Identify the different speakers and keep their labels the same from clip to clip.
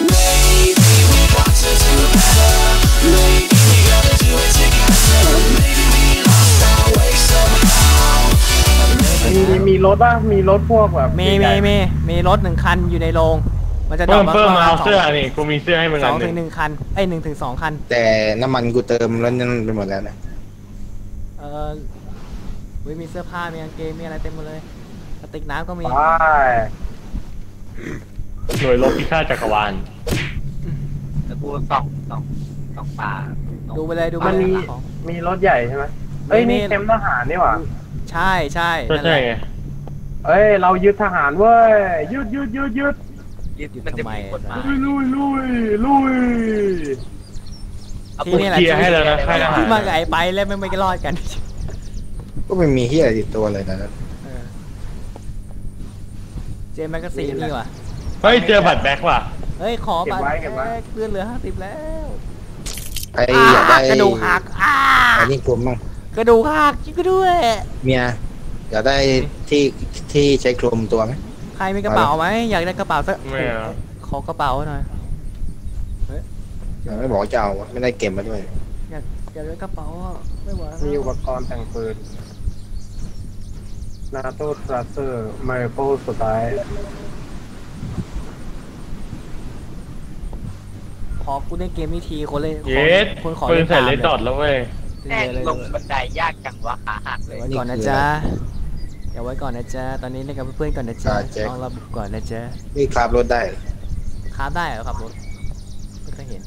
Speaker 1: Maybe we got to do better. Maybe we gotta do it together. Maybe we lost our way somehow.
Speaker 2: มีรถป่ะมีรถพวกแบบ
Speaker 3: มีรถ1 คันอยู่ในโรงมันจะดรอป
Speaker 4: เพิ่ม
Speaker 3: มา
Speaker 4: เอาเสื้อนี่กูมีเสื้อให้มึงอัน
Speaker 3: 2
Speaker 4: ห
Speaker 3: ถึ
Speaker 4: นึ่
Speaker 3: ง
Speaker 4: ง
Speaker 3: 1 คัน1 ถึง 2 คัน
Speaker 5: แต่น้ำมันกูเติมแล้วนั่นไปหมดแล้วนะ
Speaker 3: มีเสื้อผ้ามีกางเกงมีอะไรเต็มหมดเลยกระติกน้ำก็มี
Speaker 2: ใช่
Speaker 4: หน่วยรบพิฆาตจักรวาล
Speaker 6: แล้วกูส่องป่า
Speaker 3: ดูไปเลยดูไป
Speaker 2: มัน
Speaker 3: เลย
Speaker 2: มีรถใหญ่ใช่ไหมเอ้ยนี่เต็มทหารนี่หว่า
Speaker 3: ใช่
Speaker 4: ก็ใช่
Speaker 3: นั่นแหละ
Speaker 4: ไง
Speaker 2: เอ้ยเรายึดทหารเว้ยยึด
Speaker 6: มันจะมีกฎหมาย
Speaker 2: ลุย
Speaker 3: ที่นี่แหละ
Speaker 4: เคลียร์ให้แล้วนะค่ายทหาร
Speaker 3: ที่มากับไอ้ไปแล้วไม่รอดกัน
Speaker 5: ก็ไม่มีเฮียอะไรติดตัวเลยนะ
Speaker 3: เจมแมกกาซีนนี่ว่ะ
Speaker 4: เฮ้ยเจอบัตรแบ็คว่ะ
Speaker 3: เฮ้ยขอบัตรเลื่อนเหลือ50แล้ว
Speaker 5: ใครอยากได้
Speaker 3: กระดูกหัก
Speaker 5: อันนี้กลุ่มมั้ง
Speaker 3: กระดูกหักจริงก็ด้วย
Speaker 5: เมียอยากได้ที่ใช้คลุมตัวไหม
Speaker 3: ใครมีกระเป๋าไหมอยากได้กระเป๋าสัก
Speaker 4: ไม่เอา
Speaker 3: ขอกระเป๋าหน่อย
Speaker 5: ไม่บอกจะเอาไม่ได้เก็บมาด้วย
Speaker 3: อยากได้กระเป๋าไม่ไหว
Speaker 2: มีอุปกรณ์แต่งปืนนาโต้ทรัสเซอร์ไมโครสุดท้าย
Speaker 3: ขอกูเล่นเกมนี้ทีคนเลย
Speaker 4: เย็ด
Speaker 3: คนขอ
Speaker 4: ปืน
Speaker 3: เล่น
Speaker 4: ใส่
Speaker 3: ตาม
Speaker 4: เล
Speaker 3: เลย
Speaker 4: ดดอทแล้วเว้ย
Speaker 6: แม่งลงบันไดยากจังวะขาหักเลย
Speaker 3: ไว้ก่อนนะจ๊ะอย่าไว้ก่อนนะจ๊ะตอนนี้เล่นกับเพื่อนๆก่อนนะจ๊ะลองระบุก่อนนะจ๊ะ
Speaker 5: นี่คราบรถได้
Speaker 3: ค้าได้เหรอครับรถไม่เคยเห็น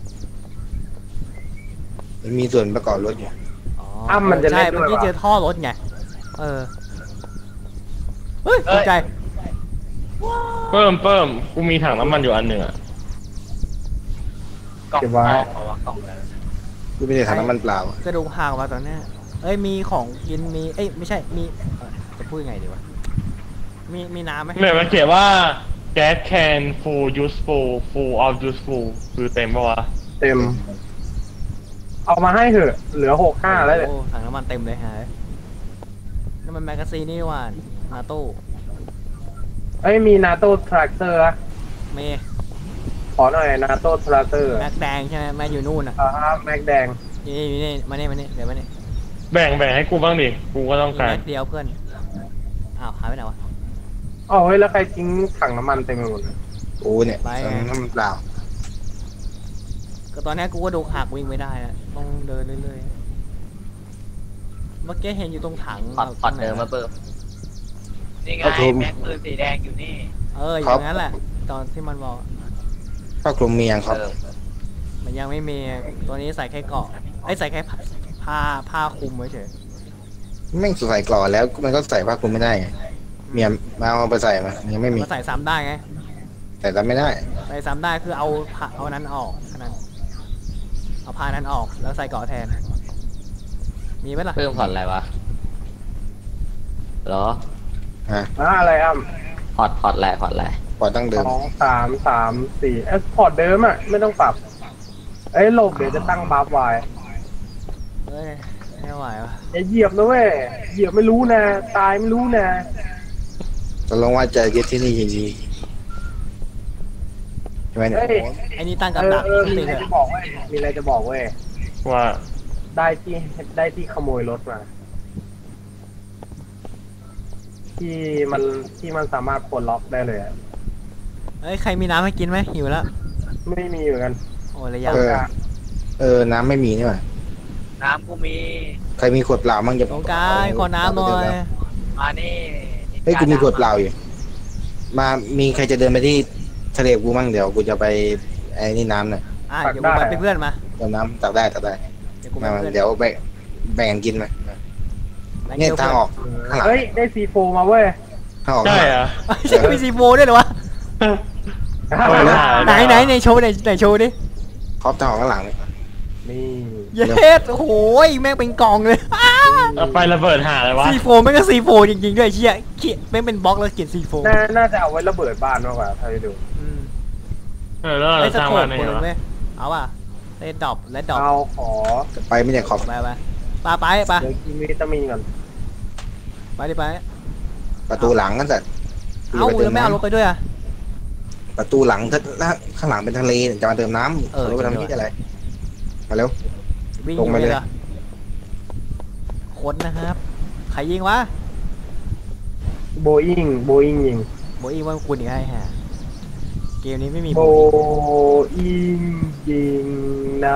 Speaker 5: มันมีส่วนประกอบรถอยู่
Speaker 2: มันจะ
Speaker 3: ใช่
Speaker 2: เล่นด้วย
Speaker 3: เมื่อกี้เจอท่อรถไงเฮ้ยตกใจ
Speaker 4: เพิ่มกูมีถังน้ำมันอยู่อันหนึ่งอะ
Speaker 6: กล่อง
Speaker 2: เก็บไว้
Speaker 6: เอาวะกล่องนั้น
Speaker 5: กูไม่ได้ถังน้ำมันเปล่า
Speaker 3: กระดูกหักมาตอนนี้เอ้ยมีของกินมีเอ้ยไม่ใช่มีจะพูดยังไงดีวะมีน้ำไหม
Speaker 4: เนี่ยมันเขียนว่า gas can full full of useful คือเต็มปะวะ
Speaker 2: เต็ม เอามาให้เถอะเหลือ65แล้วเนี่ย
Speaker 3: โอ้ถังน้ำมันเต็มเลยฮะนั่นมันแมกกาซีนนี่ว่านาโต้
Speaker 2: เอ้ยมีนาโต้ทรัสเซอร์
Speaker 3: เม
Speaker 2: ขอหน่อยนาโต้ทรัสเซอร์
Speaker 3: แม็กแดงใช่ไหมแม็กอยู่นู่นอ่ะ
Speaker 2: แม็กแดง
Speaker 3: นี่มานี่เดี๋ยวมานี่
Speaker 4: แบ่งให้กูบ้างดิ กูก็ต้องการ
Speaker 3: แม็กเดียวเพื่อนอ้าวหายไปไหนวะ
Speaker 2: อ๋อเฮ้ยแล้วใครทิ้งถังน้ำมันเต็มไปหมดเลย
Speaker 5: กูเนี่ยถังน้ำมันเปล่า
Speaker 3: ก็ตอนนี้กูก็ดูหักวิ่งไม่ได้อะต้องเดินเรื่อยๆเมื่อกี้เห็นอยู่ตรงถัง
Speaker 6: พอดเดิมมาเบิ่มนี่ไงแม็กปืนสีแดงอยู่นี่
Speaker 3: อย่างนั้นแหละตอนที่มันบอก
Speaker 5: ผ้าคลุมมียังครับ
Speaker 3: มันยังไม่มีตัวนี้ใส่แค่เกาะใส่แค่ผ้าคลุมไว้เฉย
Speaker 5: แม่งใส่กรอแล้วมันก็ใส่ผ้าคลุมไม่ได้ไงเมียมาเอาไปใส่มายังไม่มี
Speaker 3: มาใส่ซ้ำได้ไง
Speaker 5: แต่ทำไม่ได้
Speaker 3: ใส่ซ้ำได้คือเอานั้นออกแค่นั้นเอาผ้านั้นออกแล้วใส่เกาะแทนมีไหมล่ะ
Speaker 6: เพิ่มผ่อนอะไรวะเหรอ
Speaker 2: อะไร
Speaker 6: พอร์ตแหละพอร์ตแหละ
Speaker 5: ปล่อยตั้งเดิม
Speaker 2: 2 3 4พอร์ตเดิมอ่ะไม่ต้องปรับเอ้ยหลบเดี๋ยวจะตั้งบัฟไว้
Speaker 3: เฮ้ยไม่ไหววะ
Speaker 2: อย่าเหยียบนะเว้ยเหยียบไม่รู้นะตายไม่รู้นะ
Speaker 5: ตกลงว่าจะยึดที่นี่จริงๆใช่ไหมเนี่ย
Speaker 3: ไอ้นี่ตั้งกับดัก
Speaker 2: มี
Speaker 3: ติ
Speaker 2: อะไร
Speaker 3: เถ
Speaker 2: จะ
Speaker 3: อะ
Speaker 2: บอกเว้ยมีอะไรจะบอกเว้ย
Speaker 4: ว่า
Speaker 2: ได้ที่ขโมยรถมาที่มันสามารถปลดล็อกได้เลยอะ
Speaker 3: เฮ้ยใครมีน้ำให้กินไหมหิวแล้ว
Speaker 2: ไม่มีอยู่กัน
Speaker 3: โอ้ระยะ
Speaker 5: น้ำไม่มีนี่หว่า
Speaker 6: น้ำกูมี
Speaker 5: ใครมีขวดเปล่ามั่งจะ
Speaker 3: ตรงกลางขอน้ำหน่อย
Speaker 6: มานี่
Speaker 5: เฮ้ยกูมีขวดเปล่าอยู่มามีใครจะเดินไปที่ทะเลกูมั่งเดี๋ยวกูจะไปไอ้นี่น้ำหน่อย
Speaker 3: เดี๋ยวกูไปเป็นเพื่อนมา
Speaker 5: เดี๋ยวน้ำตักได้
Speaker 3: เดี๋ยวกูไป
Speaker 5: มา
Speaker 3: เป็นเพื่อน
Speaker 5: เดี๋ยวแบ่งกันกินมาเนี่ยทางออกข้างหลัง
Speaker 2: เฮ้ยได้ซีโฟมาเว้ย
Speaker 5: ทางออก
Speaker 4: ใช่เหรอ
Speaker 3: ใช่มีซีโฟด้วยเหรอวะไหนในโชว์ไหนโชว์ดิ
Speaker 5: ครอบทางออกข้างหลังเนี่ย
Speaker 2: นี่
Speaker 3: เย็ดโอ้โหแม่งเป็นกองเลย
Speaker 4: เอาไประเบิดหาอะไรวะ
Speaker 3: ซีโฟแม่งก็ซีโฟจริงๆด้วยเชี่ยเขียนแม่งเป็นบล็อกแล้วเขียนซีโฟ
Speaker 2: น่าจะเอาไว้ระเบิดบ้านมากกว่าถ้าไปดู
Speaker 4: แล้วเรา
Speaker 3: ไอ้ส
Speaker 4: สร้าง
Speaker 3: โค
Speaker 4: มา
Speaker 3: ป
Speaker 4: ใน
Speaker 3: ปื
Speaker 4: ไหน
Speaker 3: น
Speaker 4: วะ
Speaker 3: เว้ยเอาป่ะไอ้ดรอปและดรอป
Speaker 2: เอาขอ
Speaker 5: ไปไม่ได้ขอบ
Speaker 3: ไป
Speaker 2: เดี๋ยวกินวิตามินก่อน
Speaker 3: ดิไป
Speaker 5: ประตูหลังกันสัตว์
Speaker 3: เอาแล้วไม่เอารถไปด้วยอ่ะ
Speaker 5: ประตูหลังถ้าข้างหลังเป็นทะเลเนี่ยจะมาเติมน้ำรถไปทำที่อะไรมาเร็ว
Speaker 3: วิ่ง
Speaker 5: ลงมาเลย
Speaker 3: หรอคนนะครับ ใครยิงวะ
Speaker 2: โบอิงยิง
Speaker 3: โบอีว่าคุณอีกไอ้ห่าเกมนี้ไม่มี
Speaker 2: โบ
Speaker 3: โบอี
Speaker 2: อิงยิงนะ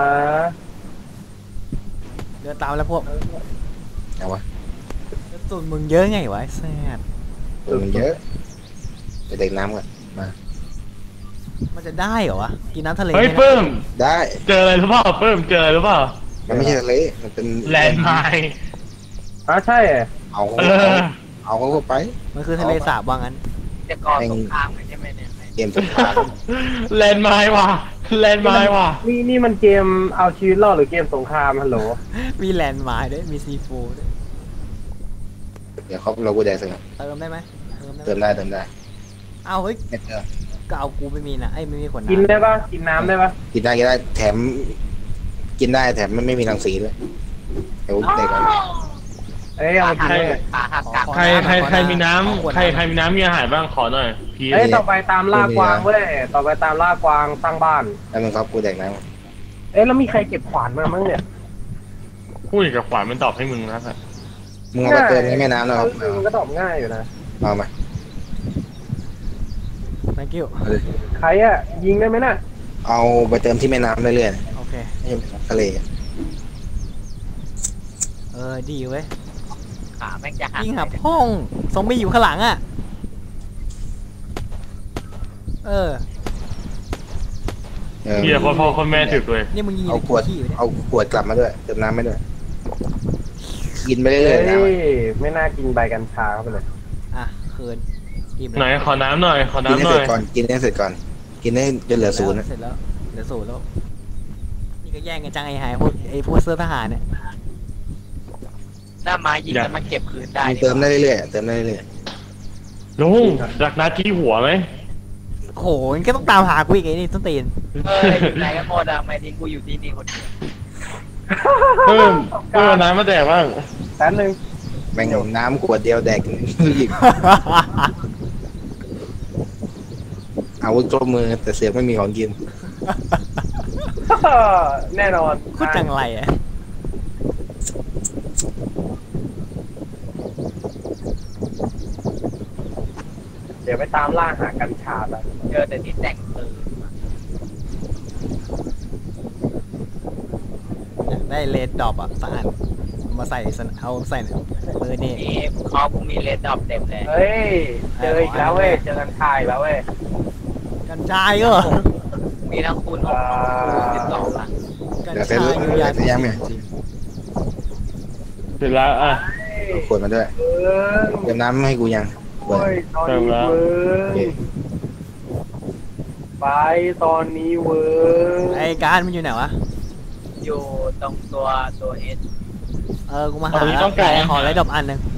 Speaker 3: เดินตามแล้วพวก
Speaker 5: เอาวะ
Speaker 3: กระสุนมึงเยอะไงวะไอ้แซ่บ
Speaker 5: มันเยอะไปเด็กน้ำก่อนมา
Speaker 3: มันจะได้เหรอวะกินน้ำทะเล
Speaker 4: เฮ้ย
Speaker 3: นี่นะ
Speaker 4: เพิ่ม
Speaker 5: ได้
Speaker 4: เจออะไรหรือเปล่าเพิ่มเจออะไรหรือเปล่า
Speaker 5: มันไม่ใช่ทะเลมันเป็น
Speaker 4: แลนด์ไมน์
Speaker 2: ใช่เหรอ
Speaker 5: เอา
Speaker 4: เออ
Speaker 5: เอาเขาเข้าไป
Speaker 3: มันคือทะเลสาบว่างั้น
Speaker 6: จะก่อสงครามกันใช่ไหมเนี่ย
Speaker 5: เกมสงคราม
Speaker 4: แลนด์ไมน์ว่ะแลนด์ไมน์ว่ะ
Speaker 2: นี่มันเกมเอาชีวิตรอดหรือเกมสงครามฮัลโหล
Speaker 3: มีแลนด์มาร์คด้วยมีซีโฟด้วย
Speaker 5: เดี๋ยวเขาเรากูแดกเสร็จ
Speaker 3: เติมได้ไหม
Speaker 5: เติมได้เติมได้
Speaker 3: เอาเฮ้ย
Speaker 5: ไม่เติม
Speaker 3: ก็เอากูไม่มีนะไอ้ยไม่มีขวด
Speaker 2: กิน
Speaker 3: น้ำ
Speaker 2: ได้ปะกินน้ำได้ปะ
Speaker 5: กินได้แถมกินได้แถมมันไม่มีรังสีด้วยเดี๋ยวเด็กก่อน
Speaker 2: เอ้ยเอามากินเลย
Speaker 6: ขาหักกลาง
Speaker 4: ใครมีน้ำใครมีน้ำมีอาหารบ้างขอหน่อยพี่
Speaker 2: เอ้ยต่อไปตามล่ากวางเว้ยต่อไปตามล่ากวางสร้างบ้าน
Speaker 5: แล้วมึงครับกูแดกน้ำ
Speaker 2: เอ้ยแล้วมีใครเก็บขวานมามั้งเนี่ย
Speaker 4: พูดกับขวานมันตอบให้มึงนะสัตว์
Speaker 5: มึงเอาไปเติมในแม่น้ำนะครับ
Speaker 2: มันก็ตอบง่ายอยู่นะ
Speaker 5: เอามา
Speaker 3: thank you
Speaker 2: ใครอะยิงได้ไหมน่ะ
Speaker 5: เอาไปเติมที่แม่น้ำเรื่อย
Speaker 3: โอเค
Speaker 5: ๆไม่ใช่ทะเล
Speaker 3: ดีเว้ย
Speaker 6: ขาแม่งจะหัก
Speaker 3: ยิงหาพ่องซอมบี้อยู่ข้างหลังอ่ะเออ
Speaker 4: เฮียพ่อคนแม่ถึกเลย
Speaker 3: นี่มึงยิง
Speaker 5: เอาขวด
Speaker 3: ขี้อยู่เนี่ย
Speaker 5: เอาขวดกลับมาด้วยเติมน้ำไม่ด้วยกินไปเรื่
Speaker 2: เอ้
Speaker 5: อยๆนะ
Speaker 2: ยไม่น่ากินใบกัญชาเข้าไปเลย
Speaker 3: อ่ะคืนอิ่ม
Speaker 4: ไหน
Speaker 3: แล้ว
Speaker 4: ขอน้ำหน่อยขอ
Speaker 5: กิน
Speaker 4: น้ำ
Speaker 5: ให้
Speaker 4: หน่
Speaker 5: เส
Speaker 4: อ
Speaker 5: ร็
Speaker 4: ย
Speaker 5: จก่อนกินให้เสร็จก่อนกินให้จนเหลือศูนย์นะ
Speaker 3: เสร็จแล้วเหลือศูนย์แล้วนี่ก็แย่งกันจังไอ้หายพวกเสื้อทหารเนี่ย
Speaker 6: หน้าไม้ยิงแล้วมันเก็บคืนได้
Speaker 5: มึงเติมได้เรื่อยๆเติมได้เรื่อย
Speaker 4: ลุงรักนัดที่หัวไหม
Speaker 3: โหมันก็ต้องตามหากูอีกไอ้นี่ต้นตีน
Speaker 6: อยู่ไหนกันหมดอะไม่ทิ้งกูอยู่ที่นี่คนเดียว
Speaker 4: เพิ่มน้ำมาแดกบ้าง
Speaker 2: แป๊บนึง
Speaker 5: ๆแม่งน้ำขวดเดียวแดกอีกอาวุธครบมือแต่เสือกไม่มีของกิน
Speaker 2: แน่นอน
Speaker 3: พูดจังไรอ่ะ
Speaker 2: เดี๋ยวไปตามล่าหากัญชาไป
Speaker 6: เจอแต่ที่แต่งปืน
Speaker 3: อยากได้เลดดรอปอ่ะสะอาดมาใส่เอาใส่เบอร์นี่
Speaker 6: นี่คอกูมีเลดดอปเต็มเลย
Speaker 2: เฮ้ยเจออีกแล้วเว้ยเจอกัญชาอีกแล้วเว้ย
Speaker 3: กัญชาก็เหรอ
Speaker 6: มีทั้งคูณ6คูณ12ละ
Speaker 3: กัญ
Speaker 5: เดี๋ยว
Speaker 3: ชา
Speaker 5: เสร็จ
Speaker 3: อยู่ยา
Speaker 5: แล้วยังไง
Speaker 4: เสร็จแล้วอ่ะ
Speaker 5: เอาขวดมาด้วย
Speaker 2: เบิ้ง
Speaker 5: เติมน้ำให้กูยังขวด
Speaker 2: โอ้ยตอนนี้เบิ้
Speaker 5: โอเค
Speaker 2: งไปตอนนี้เบิ้ง
Speaker 3: ไอ้การมันอยู่ไหนวะ
Speaker 6: อยู่ตรงตัวเอส
Speaker 3: กูมาหาขอเลดดรอปอันหนึง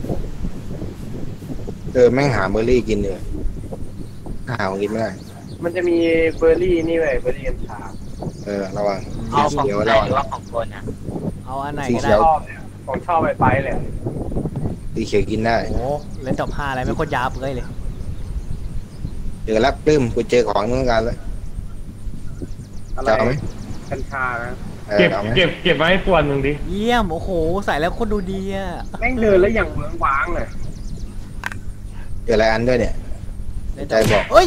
Speaker 5: แม่งหาเบอร์รี่กินเลยหาของกินไม่ได้
Speaker 2: มันจะมีเบอร์รี่นี่เว้ยเบอร์รี่กัญชา
Speaker 5: ระวัง
Speaker 6: เอาของ
Speaker 5: เขียว
Speaker 6: ไหน
Speaker 5: ระวัง
Speaker 6: หรือว่าของคนอ่ะ
Speaker 3: เอาอันไหน
Speaker 5: สี
Speaker 3: ก็
Speaker 5: เขี
Speaker 3: ได้
Speaker 5: ยว
Speaker 2: ชอบเนี่ยของชอบไปเลย
Speaker 5: สีเขียวกินได้
Speaker 3: โอ้เลดดรอป5อะไรไม่โคตรยาเปื่อยเลย
Speaker 5: เจอแล้วปลื้มกูเจอของต้องการแล้ว
Speaker 2: อะไร
Speaker 5: จะเอาไหม
Speaker 2: กัญชานะ
Speaker 4: เก็บ
Speaker 5: เอาไหม
Speaker 4: เก็บมาให้ปวนหนึ่งดิ
Speaker 3: เยี่ยมโอ้โหใส่แล้วโคตรดูดีอ่ะ
Speaker 2: แม่งเดินแล้วอย่างเมืองว้างเลย
Speaker 5: เจออะไรอันด้วยเนี่ย ใจบอก
Speaker 3: เอ้ย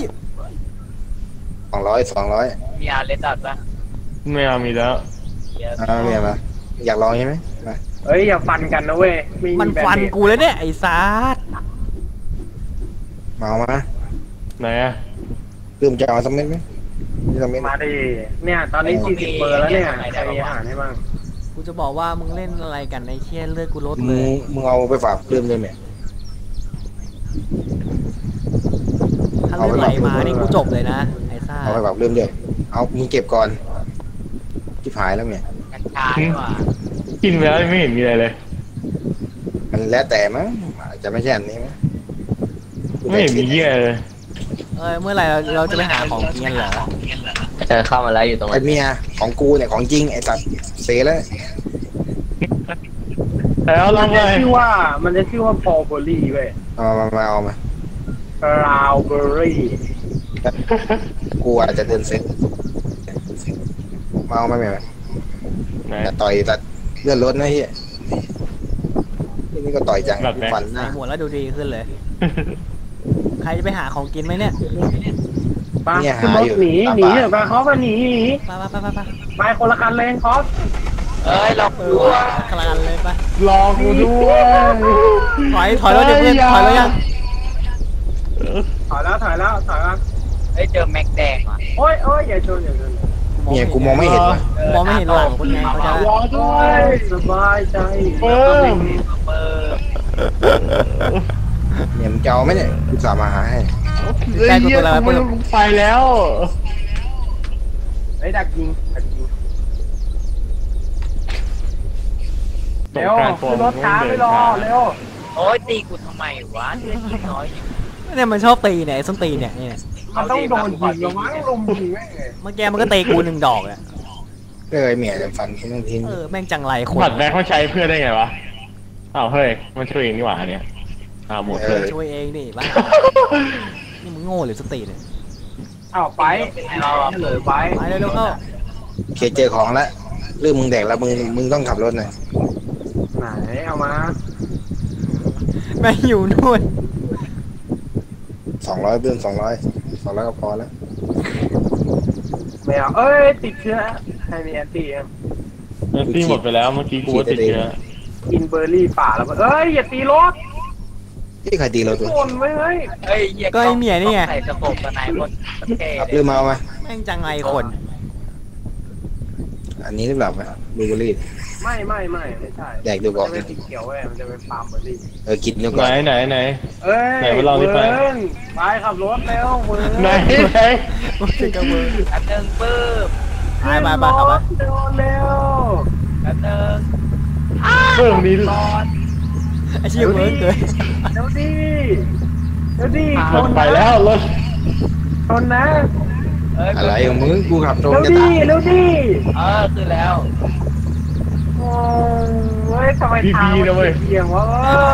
Speaker 5: 200
Speaker 6: มีอาเลดดอปปะ
Speaker 4: ไม่เอามีแล้ว
Speaker 6: เยอะ
Speaker 5: เมียมาอยากลองใช่ไหมมา
Speaker 2: เอ้ยอย่าฟันกันนะเว้ยไ
Speaker 3: มันฟันกูแล้วเนี่ยไอ้ซาด
Speaker 5: มาเอามา
Speaker 4: ไหนอ่ะ
Speaker 5: ปลื้มจะเอาสักเม็ดไหมนี่สักเม็ด
Speaker 2: มาดิเนี่ยตอนนี้40เบอร์แล้วเนี่ยใครมีอาหารให้บ้าง
Speaker 3: กูจะบอกว่ามึงเล่นอะไรกันไอ้เชี่ยเลือดกูลดเล
Speaker 5: มึง
Speaker 3: ย
Speaker 5: มึงเอาไปฝากปลื้มด้วยไหม
Speaker 3: ถ้าเลือดไหลมานี่กูจบเลยนะไอ้ซา
Speaker 5: เอาไปฝากปลื้มด้วยเอามึงเก็บก่อนที่หายแล้วเนี่ย
Speaker 6: กัญชาดีกว่า
Speaker 4: กินไปแล้วไม่เห็นมีอะไรเลย
Speaker 5: มันแล้วแต่มั้งอาจจะไม่ใช่อันนี้มั้ง
Speaker 4: ไม่เห็นมีเหี้ยเลย
Speaker 3: เมื่อไหร่เราจะไปหาของกินกันเหรอ
Speaker 6: เจอเข้ามาแล้วอยู่ตรง
Speaker 5: ไอ้เมียของกูเนี่ยของจริงไอ้ตัดเสียแล้ว
Speaker 4: แล้วล
Speaker 2: มั
Speaker 4: อน ง
Speaker 2: จะ
Speaker 4: เลย
Speaker 2: ชื่อว่าพอลเบอรี่เว้ย
Speaker 5: เอามา
Speaker 2: ราวเบอรี่
Speaker 5: กูอาจจะเดินเซ็ตเมาไม่ไหม
Speaker 4: ไหน
Speaker 5: แต่ต่อยแต่เลื่อนรถนะเฮียนี่ก็ต่อยจัง
Speaker 4: แบบไหน
Speaker 5: ฟันห
Speaker 3: ใส่
Speaker 5: น้า
Speaker 3: หมวกแล้วดูดีขึ้นเลย ใครจะไปหาของกินไหมเนี่ย
Speaker 2: ไปขึ้นรถหนีหนีเถอะไปเขาไปหนีหนี
Speaker 3: ไป
Speaker 2: ไปคนละคันเลยคอส
Speaker 6: เอ้ยเรา
Speaker 3: เอ
Speaker 6: ดู
Speaker 3: อ
Speaker 6: ว่า
Speaker 3: คลานเลยไป
Speaker 4: รอกูด้วย
Speaker 3: ถอยรถเดี๋ยวเพื่อนถอยรถยัง
Speaker 2: ถอยแล้วถอยแล้วถอยแล้ว
Speaker 6: เฮ้ยเจอแม็กแดงว่ะ
Speaker 2: โอ้ยโอ้ยอย่าชนอย่าชน
Speaker 5: เนี่ยกูมองไม่เห็นว่ะ
Speaker 3: มองไม่เห็นหลังคุณไงเขาจะ
Speaker 4: รอด้
Speaker 2: โอ้
Speaker 4: วย
Speaker 2: ยสบายใจ
Speaker 4: เพิ่ม
Speaker 6: เปิด
Speaker 5: เนี่ยมึงจะเอาไหมเนี่ยกูสามาหาให้
Speaker 4: เฮ้ยเหี้ยกูไม่รู้กูไปแล้ว
Speaker 2: ไอ้ดักยิงดักยิง
Speaker 4: ส
Speaker 2: เร็
Speaker 4: ง
Speaker 2: ว
Speaker 4: กรานต์
Speaker 2: ขึ้นรถช้าไม่รอเร็ว
Speaker 6: โอ้ยตีกูทำไมวะเลือดยิงน้อยอยู่
Speaker 3: เนี่ยมันชอบตีเนี่ยไอ้ส้นตีนเนี่ย
Speaker 2: มันต้องโดนยิงแล้วมั้งลุมยิงแม่งเลย
Speaker 3: เมื่อกี้มันก็ตีกู1 ดอกอ่ะ
Speaker 5: ก็เลยเมียจะฟันทิ้งทิ้ง
Speaker 3: แม่งจังไรคน
Speaker 4: บัตรแบ็คเขาใช้เพื่อได้ไงวะอ้าวเฮ้ยมันช่วยเองนี่หว่าเนี่ยหมดเลย
Speaker 3: ช่วยเองดิบ้านี่มึงโง่หรือส้นตีนเนี่ย
Speaker 2: อ้าวไปเราเหลือไป
Speaker 3: ไปเร็วๆเข้า
Speaker 5: เคเจอของแล้วเรื่องมึงแดกแล้วมึงต้องขับรถหน่อย
Speaker 2: ไหนเอามา
Speaker 3: แม่งอยู่นู่น
Speaker 5: 200เบื้อง200ก็พอแล้ว
Speaker 2: ไม่เอาเอ้ยติดเชื้อใครมีแอนตี้
Speaker 4: เออที่หมดไปแล้วเมื่อกี้กูว่าติดเชื้อ
Speaker 2: กินเบอร์รี่ป่าแล้วเอ้ยอย่าตีรถ
Speaker 5: ที่ใครตีเราตัว
Speaker 2: โอนไว้เฮ้ย
Speaker 6: เฮ้ยเหี้ย
Speaker 3: ก็ไอ้เมียนี่ไง
Speaker 6: ใส่สะโพกกับนายคนสเก
Speaker 5: ขับ
Speaker 6: ต
Speaker 5: เรื่องมาเอาไหม
Speaker 3: แม่งจังไรคน
Speaker 5: อันนี้หรือเปล่าไหมดูบุรี
Speaker 2: ไม่ใช่
Speaker 5: แดกดูก่อน
Speaker 2: มันจะเป็นสีเขียวเว้ยมันจะเป็นปาล์มเบอร์รี่
Speaker 5: กินดู
Speaker 4: ไห
Speaker 5: ก่
Speaker 4: น
Speaker 5: อน
Speaker 4: ไหน
Speaker 2: เอ้ย
Speaker 4: ไหนมาลองดิไป
Speaker 2: เวิร์นไปขับรถเร็วเวิร์น
Speaker 4: ไหน
Speaker 3: มึงจะกระเบือ
Speaker 6: อันหนึ่งปื้ม
Speaker 3: ไปเข้าไป
Speaker 2: เร็วเร็ว
Speaker 6: อันหนึ่ง
Speaker 4: เพิ่มนี้
Speaker 6: ตอน
Speaker 3: ไอ้เชี่ยเวิร์กเลย
Speaker 2: เร็วดิเร็วดิ
Speaker 4: รถไปแล้วรถ
Speaker 2: ชนนะ
Speaker 6: เอ้ย
Speaker 5: อะไรของมึงกูขับตรง
Speaker 2: เร็ว
Speaker 5: จะ
Speaker 2: ดิ
Speaker 5: ตาย
Speaker 2: เร็วดิ
Speaker 6: คือแล้ว
Speaker 2: โอ้เว้ยทำไมทางมันเอียงวะ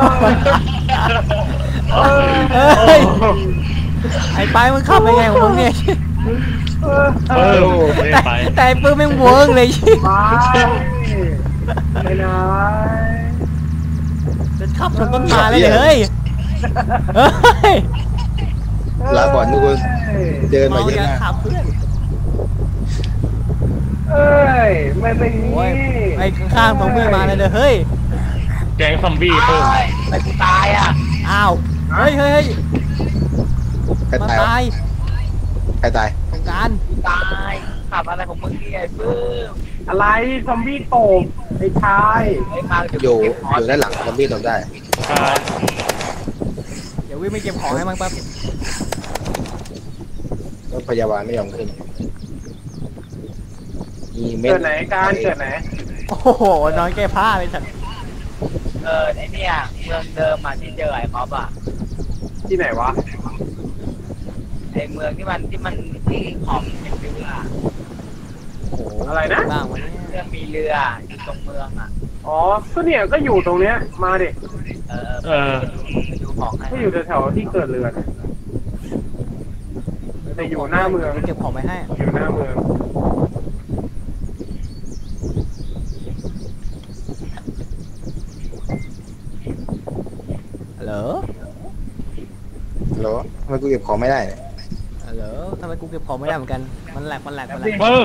Speaker 2: เออ
Speaker 3: เฮ้ยไอ้ไปมึงขับไปไงของมึงเนี่ย
Speaker 2: เออ
Speaker 4: เออไม่ไป
Speaker 3: แต่ไอ้ปื้มแม่งเวิร์กเลยชิ
Speaker 2: ไปไหน
Speaker 3: จะขับชนต้นไม้เลยเนี่ยเฮ้ยเฮ้ย
Speaker 5: ลาก่อนทุกคนเดินมา
Speaker 3: เมา
Speaker 5: เยอะ
Speaker 3: อย่าม
Speaker 5: าก
Speaker 3: ขับเพื่อน
Speaker 2: เอ้ยไม่เป็น
Speaker 3: โอ้ย
Speaker 2: งี้
Speaker 3: ไอ้ข้างๆตรงพี่มาเลยเฮ้ย
Speaker 4: แกงซอมบี้เพิ่ม
Speaker 6: แต่กูตายอ่ะ
Speaker 3: อ้าวเฮ้ย
Speaker 5: ใคร
Speaker 3: มา
Speaker 5: ตาย
Speaker 3: ตาย
Speaker 5: ใครตาย
Speaker 3: สงกราร
Speaker 6: ตายขับอะไรของมึงเนี่ยไอ้ปื้ม
Speaker 2: อะไรซอมบี้โตบไอ้ชาย
Speaker 6: ไอ้มาเดี๋ยว
Speaker 5: อยู่
Speaker 6: เก็บหอ
Speaker 5: อยู่ด้านหลังซอมบี้ตบได้
Speaker 4: ใช่
Speaker 3: เดี๋ยววิ่งไปเก็บของให้มั้งแป๊บ
Speaker 5: รถพยาบาลไม่ยอมขึ้นมีเม็ด
Speaker 2: เกิดไหนการเกิดไหน
Speaker 3: โอ้โหนอนแก้ผ้าเลยสัตว์
Speaker 6: ไอ้เนี่ยเมืองเดิมอ่ะที่เจอไอ้คอปอ่ะ
Speaker 2: ที่ไหนวะ
Speaker 6: ไอ้เมืองที่มันที่ของเป็นเรือ
Speaker 3: โอ้โห
Speaker 2: อะไรนะ
Speaker 3: บ้างวันนี้
Speaker 6: เรื่องมีเรืออยู่ตรงเมืองอ่ะ
Speaker 2: อ๋อก็เนี่ยก็อยู่ตรงเนี้ยมาดิ
Speaker 6: ไปดูของให้
Speaker 2: ก็อยู่แถวๆที่เกิดเรือนะแต่อยู่หน้าเมือง
Speaker 3: เก็บของไปให้
Speaker 2: อยู่หน้าเมือง
Speaker 3: ฮัลโหล
Speaker 5: เหรอทำไมกูเก็บของไม่ได้เนี่ย
Speaker 3: ฮัลโหลทำไมกูเก็บของไม่ได้เหมือนกันมันแหลก
Speaker 4: เพิ่ม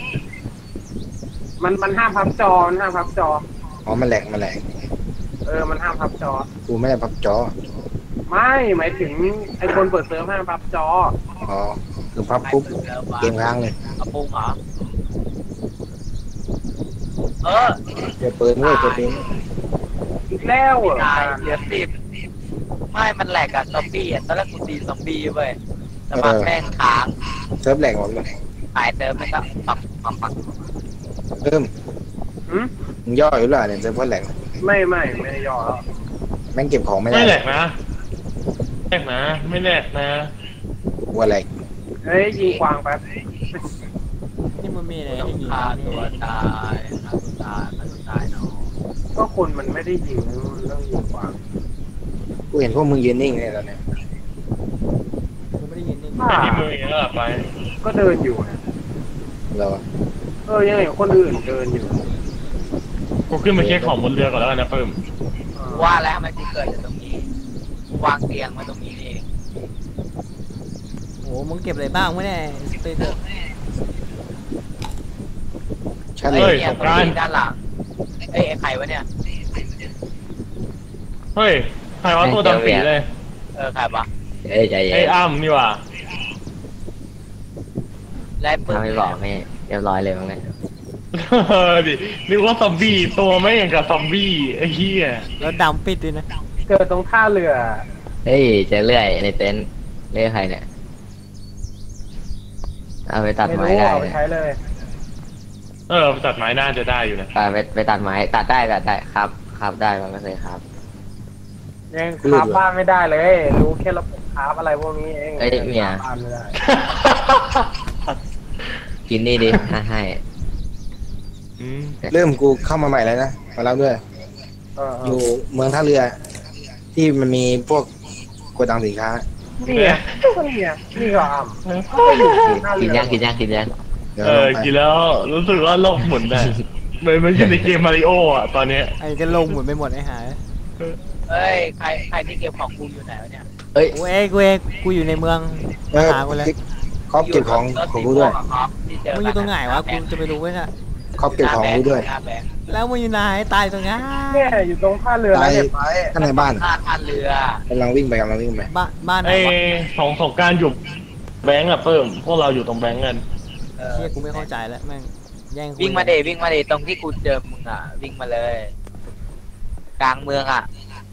Speaker 2: มันห้ามพับจอมันห้ามพับจอ
Speaker 5: อ๋อมันแหลกมัน
Speaker 2: มันห้ามพับจอ
Speaker 5: กูไม่ได้พับจอ
Speaker 2: ไม่หมายถึงไอ้คนเปิดเซิร์ฟห้ามพับจอ
Speaker 5: อ๋อคือพับปุ๊บเกมค้างเลย
Speaker 6: กระปุงเหรอ
Speaker 5: เดี๋ยวเปิดด้วยตัวนี้
Speaker 2: อีกแล้วเหรอ
Speaker 6: ตายเหลือ10ไม่มันแหลกอะซอมบี้อะตอนแรกกูตีซอมบี้เว้ยแต่มาแม่งค้าง
Speaker 5: เซิร์ฟแหลกหมดเลย
Speaker 6: ตายเติมมันก็ปัก
Speaker 5: เพิ่ม
Speaker 2: หืม
Speaker 5: มึงย่ออยู่หรือเปล่าเนี่ยเซิร์ฟแหลก
Speaker 2: ไม่ได้ย่อแล้ว
Speaker 5: แม่งเก็บของไม่ได้
Speaker 4: ไม่แหลกนะไม่แหลกนะ
Speaker 5: กูว่าแหลก
Speaker 2: เฮ้ยยิงกวางแป๊บ
Speaker 3: นี่มันมีอะไร
Speaker 6: ต้อง
Speaker 3: ให้ยิง
Speaker 6: ฆ่า
Speaker 3: นี่
Speaker 6: ตัวตายฆ่าตัวตายเนาะ
Speaker 2: ก็คนมันไม่ได้ยิงมันต้องยิงกวาง
Speaker 5: กูเห็นพวกมึงยืนนิ่งเนี่ยตอนเนี้ย
Speaker 3: กูไม่ได้ยินนี่
Speaker 2: อ่า
Speaker 4: ไปที่เมืองเองแล้วไป
Speaker 2: ก็เดินอยู่นะ
Speaker 5: เรา
Speaker 2: ยังเห็นคนอื่นเดินอยู่
Speaker 4: กูขึ้นมาเช็คของบนเรือก่อนแล้วกันนะเพิ่ม
Speaker 6: ว่าแล้วทำไมถึงเกิดอยู่ตรงนี้วางเตียงมาตรงนี้นี่เอง
Speaker 3: โอ้มึงเก็บอะไรบ้างวะเนี่ยสเปเดอร์
Speaker 5: ชั้น
Speaker 6: เฮ้
Speaker 5: เลย ย
Speaker 6: เนี่ยตรงนี้ด้านหลังเอ้ยไอ้ไข่วะเนี่ย
Speaker 4: เฮ้ยใครว่าตัวดำปีเลย
Speaker 6: ไข่ปะ
Speaker 7: เอ้ยใจเย็น
Speaker 4: ไอ้อ้ำนี่ว่ะ
Speaker 6: ไล่ปืน
Speaker 7: ถ้าไม่บอกนี่เรียบร้อยเลยมั้งเนี่ย
Speaker 4: ดินึกว่าซอมบี้ตัวไม่อย่างกับซอมบี้ไอ้เหี้ย
Speaker 3: แล้วดำปิดด้วยนะ
Speaker 2: เกิดตรงท่าเรือ
Speaker 7: เฮ้ยเจอเลื่อยในเต็นท์เลื่อยใครเนี่ยเอาไปตัด
Speaker 2: ไม่
Speaker 7: ไม้
Speaker 2: รู้
Speaker 7: ได้
Speaker 2: เอาไป
Speaker 7: เนี่ย
Speaker 2: ใช้เลย
Speaker 4: ตัดไม้น่าจะได้อยู่นะ
Speaker 7: ไปตัดไม้ตัดได้ครับได้มันไม่เคยครับ
Speaker 2: ยังคราฟบ้านไม่ได้เลย รู้แค่ระบบคราฟอะไรพวกนี้เอง
Speaker 7: เอ้ยเมีย
Speaker 2: คราฟบ้านไม่ได้
Speaker 7: กินนี่ดิ ให้
Speaker 4: อืม
Speaker 5: เริ่มกูเข้ามาใหม่แล้วนะมาแล้วด้วย อยู่เมืองท่าเรือ ที่มันมีพวกโกดังสินค้า
Speaker 2: นี่ไงนี่ก็อ่ำก็ไปอยู่ท่า
Speaker 7: กิ
Speaker 2: เรื
Speaker 7: นยังกินยังกินยัง
Speaker 5: เดี๋ยว
Speaker 4: กินแล้วรู้สึกว่าโลกหมุนน่ะเหมือนมันอยู่ในเกมมาริโออ่ะตอนเนี้ย
Speaker 3: ไอ้จะลงหมุนไปหมดไอ้หาย
Speaker 6: เอ้ยใครที่เก็บของกูอยู่ไหนวะเนี่ย
Speaker 7: เอ้ย
Speaker 3: กูอยู่ในเมือง
Speaker 5: เออ
Speaker 3: หากูแล้ว
Speaker 5: ครอบเก็บของของกูด้วย
Speaker 3: มึงอยู่ตรงไหนวะกูจะไปรู้ไว้น่ะ
Speaker 5: ครอบเก็บของกูด้วย
Speaker 6: หน้าแบงค์
Speaker 3: แล้วมึงอยู่ไหนตายตรงนั้น
Speaker 2: เนี่ยอยู่ตรงท่าเรือแล้วเนี่ยไป
Speaker 5: ข้างในบ้าน
Speaker 6: ท่าเรือก
Speaker 5: ำลังวิ่งไป
Speaker 3: บ้านไหน
Speaker 4: ไอ้
Speaker 3: วะ
Speaker 4: สงกรารอยู่แบงก์อะเพิ่มพวกเราอยู่ตรงแบงก์กัน
Speaker 3: เชี่ยกูไม่เข้าใจแล้วแม่งแย่งกู
Speaker 6: วิ่งมาเดตรงที่กูเจอมึงอ่ะวิ่งมาเลย กลางเมืองอ่ะ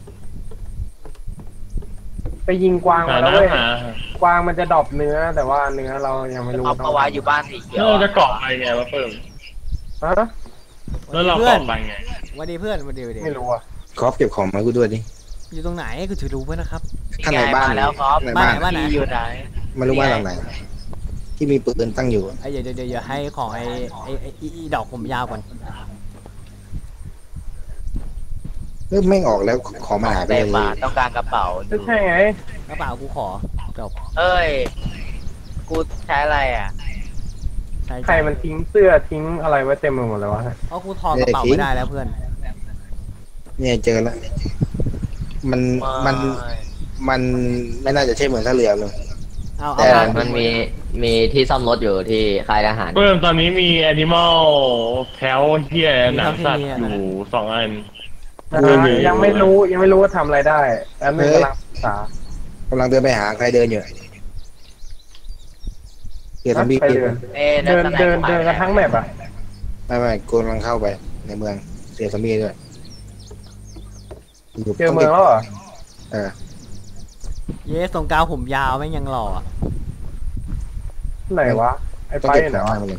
Speaker 2: ไปยิงกวาง
Speaker 4: หา
Speaker 2: มาแล้ว
Speaker 4: น้ำ
Speaker 2: เว้ย
Speaker 4: หาก
Speaker 2: วางมันจะดรอปเนื้อ แต่ว่าเนื้อเรายังไม่รู้
Speaker 6: เอาเอาไว้อยู่บ้านสีเขียว
Speaker 4: แล้วเราจะเกาะไปไงวะเพิ่ม
Speaker 2: ฮะ
Speaker 4: แล้วเรา
Speaker 3: เพื่อน
Speaker 4: เกาะไปไง
Speaker 3: วันดีเพื่อนวันดี
Speaker 2: ไม่รู้อ่ะ
Speaker 5: ครอบเก็บของมากูด้วยดิ
Speaker 3: อยู่ตรงไหนกูจะรู้ไว้นะครับ
Speaker 5: ข้างในบ้าน
Speaker 6: มาแล้วครับ
Speaker 5: ในบ้าน
Speaker 3: บ้านไหน
Speaker 6: ที่อยู่ไหน
Speaker 5: ไม่รู้บ้านหลังไหน ที่มีปืนตั้งอยู่
Speaker 3: ไอ้เดี๋ยวให้ของไอ้ดอกผมยาวก่อน
Speaker 5: เริ่มไม่งออกแล้วของมันหายไป
Speaker 6: เต็ม
Speaker 5: เล
Speaker 6: มาย ต้องการกระเป๋า
Speaker 2: ไม่ใช่ไง
Speaker 3: กระเป๋ากูขอจบ
Speaker 6: เอ้ย กูใช้อะไรอ่ะ
Speaker 3: ใช่
Speaker 2: ใครมันทิ้งเสื้อทิ้งอะไรไว้เต็มไปหมดเลยวะ
Speaker 3: เพราะกูถอดกระเป๋าไม่ได้แล้วเพื่อน
Speaker 5: เนี่ยเจอแล้วมันไม่น่าจะใช่เหมือนท่าเรือเลย
Speaker 3: เอา
Speaker 5: แต่
Speaker 3: เอา
Speaker 7: มันมีที่ซ่อมรถอยู่ที่ค่ายทหาร
Speaker 4: เพิ่มตอนนี้มีแอนิมอลแถวเฮียหนังสัตว์อยู่2 อัน
Speaker 2: ยังไม่รู้ว่าทำอะไรได้แล้วนึงกำลังศึกษาก
Speaker 5: ำลังเดินไปหาใครเดินอยู่เดี๋ยวทำบี
Speaker 2: ไปเดิน เดินกันทั้งแมปอ่ะ
Speaker 5: ไม่กูกำลังเข้าไปในเมืองเสียสมีด้วยยู่
Speaker 2: เจอเมืองแล้วเหรอ
Speaker 5: เออ
Speaker 3: เย้ส่งกาวผมยาวแม่งยังหล่ออะ
Speaker 2: ไหนวะไอ้
Speaker 5: ต้อง
Speaker 2: ไป
Speaker 5: เก็บ
Speaker 2: ไหน
Speaker 5: ของ
Speaker 2: วะ
Speaker 5: มาเลย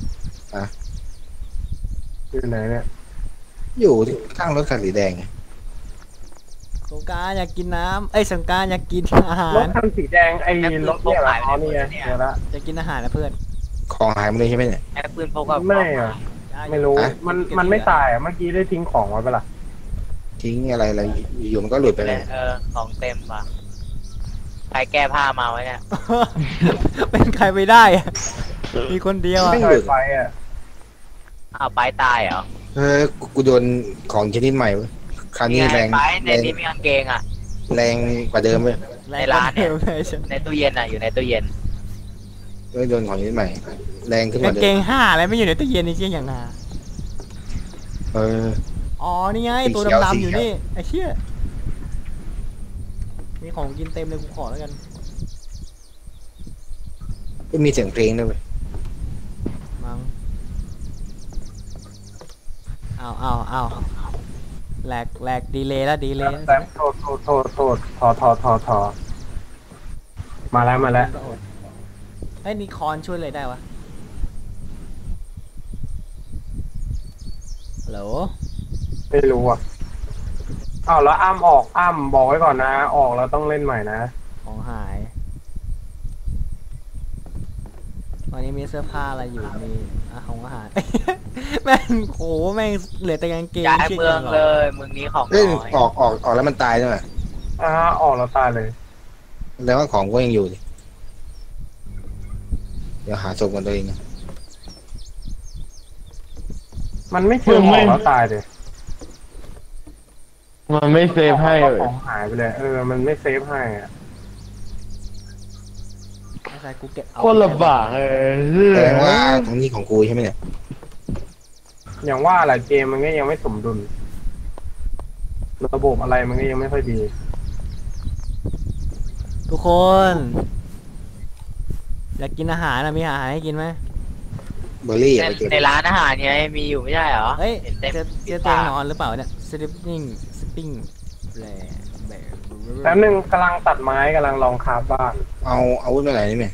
Speaker 2: อยู่ไหนเนี่ย
Speaker 5: อยู่ที่ข้างรถคันสีแดงไง
Speaker 3: สงกรารอยากกินน้ำเอ้ยสงกรารอยากกินอาหาร
Speaker 2: รถคันสีแดงไอ้รถเนี่ยเหรออ๋อนี่ไงเดี๋ยวละ
Speaker 3: อยากกินอาหารนะเพื่อน
Speaker 5: ของหายหมดเลยใช่ไหมเนี่ย
Speaker 6: แอปปืนพกกับ
Speaker 2: ไม่อ่ะไม่รู้
Speaker 5: ฮะ
Speaker 2: มันไม่ตายอ่ะเมื่อกี้ได้ทิ้งของไว้ปะล่ะ
Speaker 5: ทิ้งอะไรอยู่มันก็หลุดไปเลย
Speaker 6: ของเต็มป่ะใครแก้ผ้ามาไว้เนี่ย
Speaker 3: เป็นใครไปได้อะมีคนเดียวอะ
Speaker 2: ไม่เคยไปอ่ะ
Speaker 6: อ้าวไปตายเหรอ
Speaker 5: กูโดนของชนิดใหม่เว้ยคราวนี้แรง
Speaker 6: ไปในนี้มีกางเกงอ่ะ
Speaker 5: แรงกว่าเดิมเว้ย
Speaker 6: ในร้านเนี่ย
Speaker 3: เลยฉัน
Speaker 6: ในตู้เย็นอ่ะอยู่ในตู้เย็น
Speaker 5: โดนของชนิดใหม่ แรงขึ้นก
Speaker 3: กาง
Speaker 5: ว่าเดิ
Speaker 3: เก
Speaker 5: ม
Speaker 3: งห้าอะไรไม่อยู่ในตู้เย็นนี่เชี่ยอย่างนา
Speaker 5: เออ
Speaker 3: อ๋อนี่ไง
Speaker 5: สี
Speaker 3: ตัว
Speaker 5: เขียว
Speaker 3: ดำ
Speaker 5: สี
Speaker 3: ๆอยู่
Speaker 5: เขียว
Speaker 3: นี่ไอ้เชี่ยมีของกินเต็มเลยกูขอแล้วกัน
Speaker 5: ก็มีเสียงเพลงด้วยเว้ย
Speaker 3: มั้งเอาแหลกดีเลยแล้วดีเลย
Speaker 2: แต่โทษทอมาแล้ว
Speaker 3: ไอ้ยนี่คอนช่วยเลยได้วะฮัลโหล
Speaker 2: ไม่รู้อ่ะอ้าวแล้วอ้ำออกอ้ำบอกไว้ก่อนนะ ออกแล้วต้องเล่นใหม่นะ
Speaker 3: ของหายวันนี้มีเสื้อผ้าอะไรอยู่มีของอาหาร แม่งโหแม่งเหลือแต่กางเกง
Speaker 6: ย้าย
Speaker 3: ชี่
Speaker 6: เมืองเลยเมืองนี้ของ
Speaker 5: เอ้ย
Speaker 6: น้อย
Speaker 5: ออกแล้วมันตายด้วย
Speaker 2: ออกแล้วตายเลย
Speaker 5: แล้วว่าของก็ยังอยู่ดิเดี๋ยวหาศพกันตัวเองนะ
Speaker 2: มันไม่เชื่อหมอแล้วตายเลย
Speaker 4: มันไม่เซฟให้
Speaker 2: ของหายไปเลยมันไม่เซฟให้อะ
Speaker 3: ไม่ใช่กูเก็บเอา
Speaker 4: คนลำบาก
Speaker 5: แสดงว่าตรงนี้ของกูใช่ไหมเนี่ย
Speaker 2: อย่างว่าแหละเกมมันก็ยังไม่สมดุลระบบอะไรมันก็ยังไม่ค่อยดี
Speaker 3: ทุกคน อยากกินอาหารนะมีอาหารให้กินไหม
Speaker 5: เบอร์รี่ไปเก็บ
Speaker 6: ในร้านอาหารเนี่ยมีอยู่ไม่ใช่เหรอ
Speaker 3: เฮ้ย
Speaker 6: เห็นเต็ม
Speaker 3: เจอเตียงนอนหรือเปล่าเนี่ย sleeping sleeping แบ
Speaker 2: แป๊บนึงกำลังตัดไม้กำลังลองคราฟบ้าน
Speaker 5: เอาอาวุธมาไหนนี่ไหม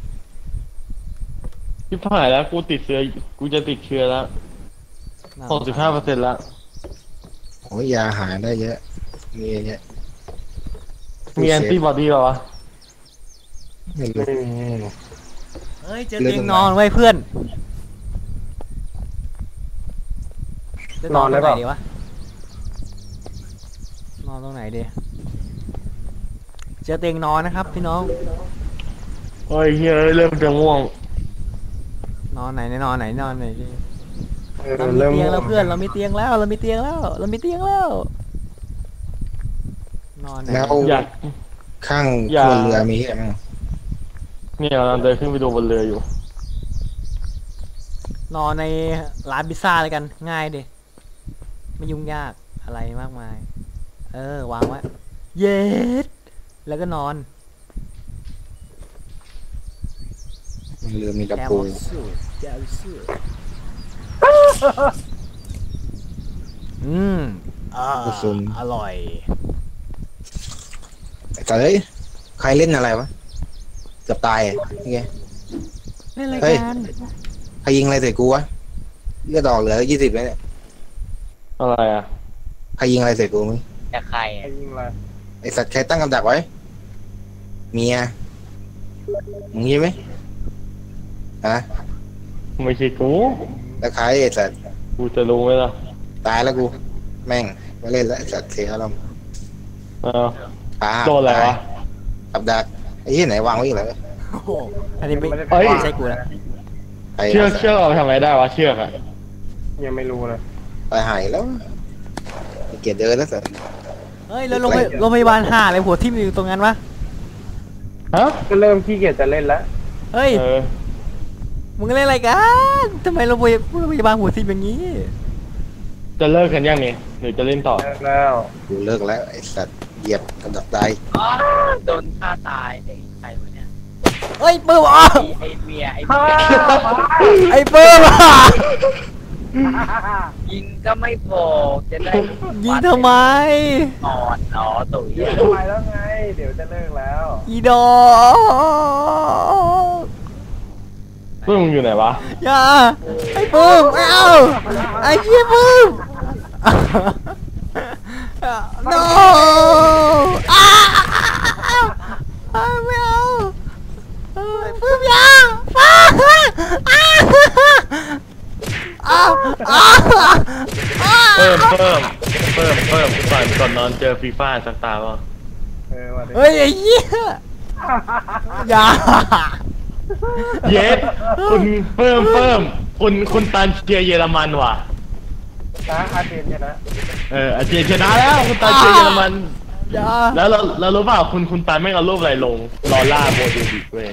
Speaker 4: ที่ผ่านแล้วกูติดเชื้อกูจะติดเชื้อแล้ว65%แล้ว
Speaker 5: โอ้ยยาหาได้เยอะมีเยอะ
Speaker 4: มีแอนติบอดีเหรอวะ
Speaker 5: ไม่รู้
Speaker 2: ไม่มี
Speaker 3: เฮ้ยเจอเตียงนอนไว้เพื่อนจะนอนตรงไหนดีวะนอนตรงไหนดีเจอเตียงนอนนะครับพี่น้อง
Speaker 4: โอ้ยเฮ้ยเริ่มจะง่วง
Speaker 3: นอนไหนนอนไหนนอนไหนดิ เรา
Speaker 2: เริ่ม
Speaker 3: มีเตียงแล้วเพื่อนเรามีเตียงแล้วเรามีเตียงแล้วเรามีเตียงแล้วนอนไหน
Speaker 5: แล้ว
Speaker 4: อยาก
Speaker 5: ข้าง
Speaker 4: อย่า
Speaker 5: ครัวเรือมีอะไรบ้าง
Speaker 4: เนี่ยกำลังเดินขึ้นไปดูบนเรืออยู่
Speaker 3: นอนในร้านพิซซ่าเลยกันง่ายดิไม่ยุ่งยากอะไรมากมาย วางไว้เย็ดแล้วก็นอน
Speaker 5: เรือมีตะ
Speaker 3: แกม
Speaker 5: ปู
Speaker 3: สูแกมสูอ่าอร่อย
Speaker 5: แต่เฮ้ยใครเล่นอะไรวะเกือบตายอ่ะนี่ไง
Speaker 3: เล่นอะไร
Speaker 5: เฮ้ย
Speaker 3: กัน
Speaker 5: ใครยิงอะไรใส่กูวะเลือดออกเหลือ20แล้วเนี่ย
Speaker 4: อะไรอ่ะ
Speaker 5: ใครยิงอะไรใส่กูมึง
Speaker 6: จะใคร
Speaker 2: ใครยิงอะไร
Speaker 5: ไอสัตว์ใครตั้งกับดักไว้เมียมึงยิงไหมฮะ
Speaker 4: ไม่ใช่กู
Speaker 5: แล้วใครไอสัตว์
Speaker 4: กูจะรู้ไหมล่ะ
Speaker 5: ตายแล้วกูแม่งไม่เล่นแล้วไอสัตว์เสียอารมณ์
Speaker 4: อ้าว
Speaker 5: ปลา
Speaker 4: โดนอะไรวะ
Speaker 5: กับดักไอ้ที่ไหนวางไว้อีกแล้ว
Speaker 3: โอ้โหอันนี้ไม่
Speaker 2: ด้
Speaker 4: เฮ้ย
Speaker 3: ไม่ใช่กูแล้ว
Speaker 5: ไป
Speaker 4: เชือกเอาไปทำอะไรได้วะเชือกอ่ะ
Speaker 2: ยังไม่รู้เลย
Speaker 5: ไปหายแล้วเกลียดเดินแล้วสัตว์
Speaker 3: เฮ้ยแล้วโรงพยาบาลห่าอะไรหัวทิ่มอยู่ตรงนั้นวะ
Speaker 4: ฮะ
Speaker 2: ก็เริ่มขี้เกียจจะเล่นแล้ว
Speaker 3: เฮ้ย
Speaker 4: เออ
Speaker 3: มึงเล่นอะไรกันทำไมโรงพยาบาลหัวทิ่มอย่างนี้
Speaker 4: จะเลิกกันยังนี่หรือจะเล่นต่อ
Speaker 2: เลิกแล้ว
Speaker 5: กูเลิกแล้วไอสัตว์เหยียบกับดักตาย
Speaker 6: อ๋อโดนฆ่าตายไอ้ใครวะเนี่ย
Speaker 3: เฮ้ยปื้มอ่ะ
Speaker 6: ไอ้เมียไอ้เมีย
Speaker 3: ไอ้ปื้มอ่ะ
Speaker 6: ยิงก็ไม่พอจะได้
Speaker 3: ยิงทำไม
Speaker 6: อ่อนอ๋อตุ๋ย
Speaker 2: เดี๋ยวไปแล้วไง เดี๋ยวจะเลิกแล้ว
Speaker 3: อีดอก
Speaker 4: เพื่อนมึงอยู่ไหนวะ
Speaker 3: อย่าไอ้ปื้มไม่เอาไอ้เหี้ยปื้ม no ไม่เอาไอ้ปื้มอย่า
Speaker 4: เพิ่มก่อนนอนเจอฟีฟ่าสักตาป่ะ
Speaker 2: วันนี้
Speaker 3: เฮ้ยไอ้เหี้ยอย่า
Speaker 4: เย็ดคุณเพิ่มคุณตันเชียร์เยอรมันว่ะ
Speaker 2: นะอาเจนชนะ
Speaker 4: อาเจียชนะแล้วคุณตันเชียร์เยอรมัน
Speaker 3: อย่า
Speaker 4: แล้วเรารู้เปล่าคุณตันไม่เอารูปอะไรลงลอล่าโมดูดิเว้ย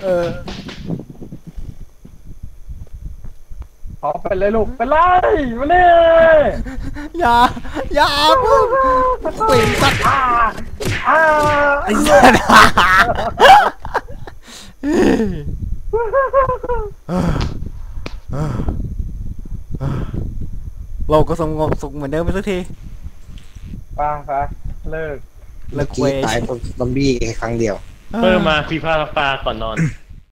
Speaker 2: ขอไปเลยลูกไปเลยมาเนี่ย
Speaker 3: อย่าพึ่งปิ่งสัตว์
Speaker 2: อ้า
Speaker 3: ไอ้สัตว์เราก็สงบสุขเหมือนเดิมไปสักที
Speaker 2: ป้าซะเลิก
Speaker 5: เมื่อกี้ตายเพราะซอมบี้แค่ครั้งเดียว
Speaker 4: เพิ่มมาฟีฟ่าสักตาก่อนนอน